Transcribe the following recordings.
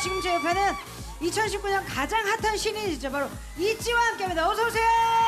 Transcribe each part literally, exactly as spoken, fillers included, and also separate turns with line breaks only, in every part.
지금 제 옆에는 이천십구 년 가장 핫한 신인이죠. 바로 이찌와 함께합니다. 어서 오세요.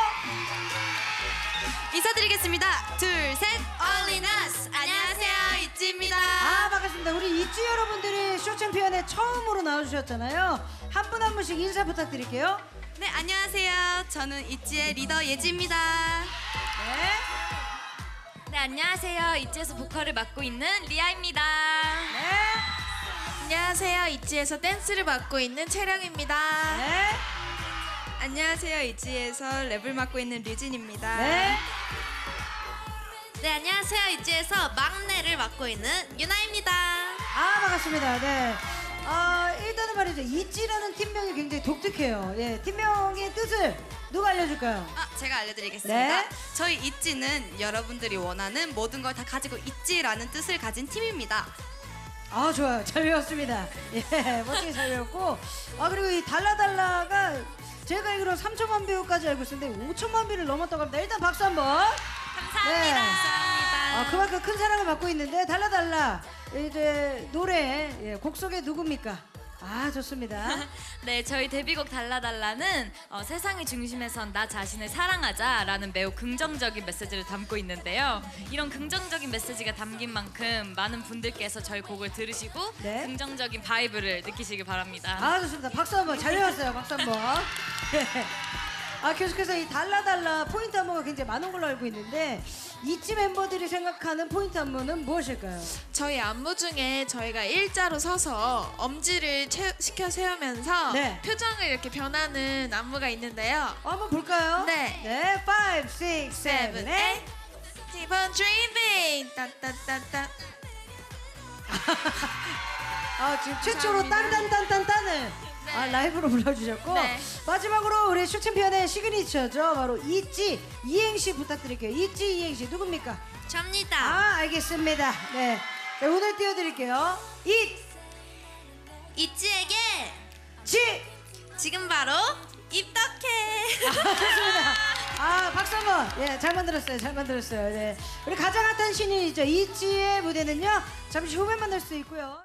인사드리겠습니다. 둘, 셋, Only Us. 안녕하세요, 이찌입니다.
아, 반갑습니다. 우리 이찌 여러분들이 쇼 챔피언에 처음으로 나와주셨잖아요. 한 분 한 분씩 인사 부탁드릴게요.
네, 안녕하세요. 저는 이찌의 리더 예지입니다.
네.
네, 안녕하세요. 이찌에서 보컬을 맡고 있는 리아입니다.
네.
안녕하세요. 이찌에서 댄스를 맡고 있는 채령입니다.
네.
안녕하세요. 이찌에서 랩을 맡고 있는 류진입니다.
네.
네, 안녕하세요. 이찌에서 막내를 맡고 있는 유나입니다.
아, 반갑습니다. 네. 아, 일단은 말이죠. 이찌라는 팀명이 굉장히 독특해요. 예, 팀명의 뜻을 누가 알려줄까요?
아, 제가 알려드리겠습니다.
네.
저희 이찌는 여러분들이 원하는 모든 걸 다 가지고 있지라는 뜻을 가진 팀입니다.
아, 좋아요. 잘 배웠습니다. 예, 멋지게 잘 배웠고. 아, 그리고 이 달라달라가 제가 알기로 삼천만 뷰까지 알고 있었는데 오천만 뷰를 넘었다고 합니다. 일단 박수 한번.
감사합니다.
네.
감사합니다.
아, 그만큼 큰 사랑을 받고 있는데 달라달라 이제 노래 예, 곡 속에 누굽니까? 아, 좋습니다.
네, 저희 데뷔곡 달라달라는 어, 세상의 중심에선 나 자신을 사랑하자라는 매우 긍정적인 메시지를 담고 있는데요. 이런 긍정적인 메시지가 담긴 만큼 많은 분들께서 저희 곡을 들으시고
네.
긍정적인 바이브를 느끼시길 바랍니다.
아, 좋습니다. 박수 한번. 잘 배웠어요. 박수 한번. 예. 아, 계속해서 이 달라달라 포인트 안무가 굉장히 많은 걸로 알고 있는데 이찌 멤버들이 생각하는 포인트 안무는 무엇일까요?
저희 안무 중에 저희가 일자로 서서 엄지를 채, 시켜 세우면서
네.
표정을 이렇게 변하는 안무가 있는데요.
어, 한번 볼까요?
네.
네, 오, 육, 칠, 팔.
Keep on dreaming. 따따따따.
아, 지금 최초로
감사합니다.
딴딴딴딴딴을 아, 라이브로 불러주셨고
네.
마지막으로 우리 쇼 챔피언의 시그니처죠. 바로 이찌 이행시 부탁드릴게요. 이찌 이행시 누굽니까?
접니다.
아, 알겠습니다. 네, 네, 오늘 띄워드릴게요. 이찌
이찌에게 지금 바로 입덕해.
좋습니다. 아, 박수 한번. 예, 잘 만들었어요. 잘 만들었어요. 네, 우리 가장 핫한 신인이죠. 이찌의 무대는요 잠시 후에 만날 수 있고요.